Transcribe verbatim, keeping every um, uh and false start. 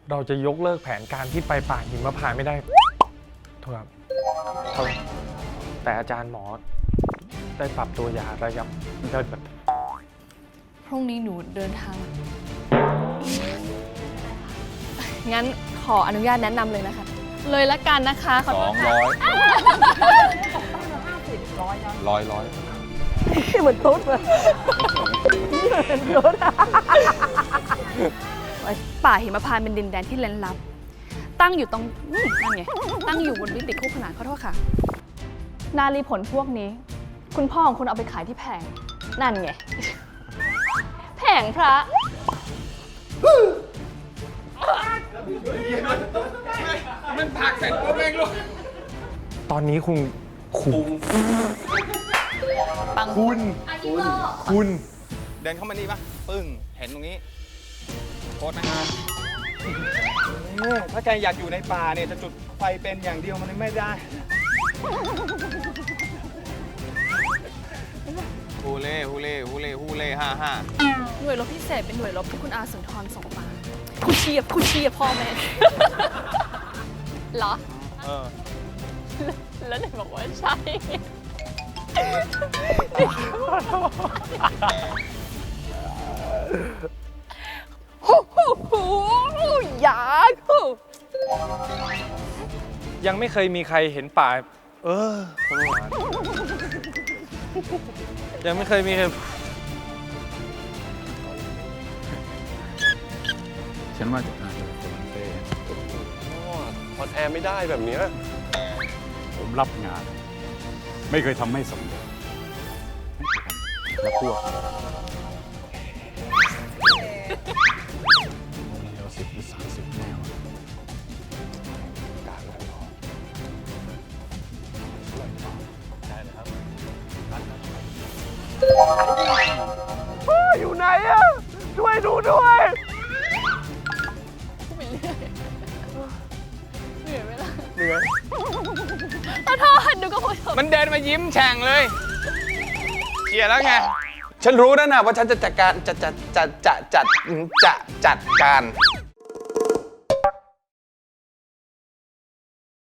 เราจะยกเลิกแผนการที่ไปป่าหิมพานต์ไม่ได้โทษครับแต่อาจารย์หมอได้ปรับตัวยาระยับได้แบบพรุ่งนี้หนูเดินทาง งั้นขออนุญาตแนะนำเลยนะคะ เลยละกันนะคะขอสโทอษงค่ะร้อยร้อยร้อยเหมือนตุ๊ดเลยเหมือนตุ๊ดป่าหิมพานต์เป็นดินแดนที่ลึกลับ ตั้งอยู่ตรงอืมนั่นไง ตั้งอยู่บนวิติคู่ขนานขอโทษค่ะ นารีผลพวกนี้ คุณพ่อของคุณเอาไปขายที่แผง นั่นไง แผงพระมันผักเสร็จปุ๊บแม่งลูกตอนนี้คุณคุณปังคุณคุณเดินเข้ามานี่ปะปึ้ง เห็นตรงนี้โคตรไหมเนี่ยถ้าแกอยากอยู่ในป่าเนี่ยจะจุดไฟเป็นอย่างเดียวมันไม่ได้ฮูเล่ฮูเล่ฮูเล่ฮูเล่ฮ่าฮ่าหน่วยรบพิเศษเป็นหน่วยรบที่คุณอาสุนทรส่งมาคุณเชียบคุณเชียบพ่อแม่ เหรอเออแล้วไหนบอกว่าใช่ ฮู้ฮู้ฮู้อยากฮู้ยังไม่เคยมีใครเห็นป่า เออยังไม่เคยมีใครฉันว่าจะอาจจะเป็นคนเต้ออนแอร์ไม่ได้แบบเนี้ยผมรับงาน ไม่เคยทำไม่สำเร็จและพวกเดียวสิบหรือสามสิบแนวกลางนั้นพออยู่ไหนอะช่วยดูด้วยเหนื่อยไหมล่ะเหนื่อยขอโทษดูก็พูดมันเดินมายิ้มแฉ่งเลยเชียร์แล้วไงฉันรู้นะนะว่าฉันจะจัดการจัดจัดจัดจัดจัดจัดจัดการ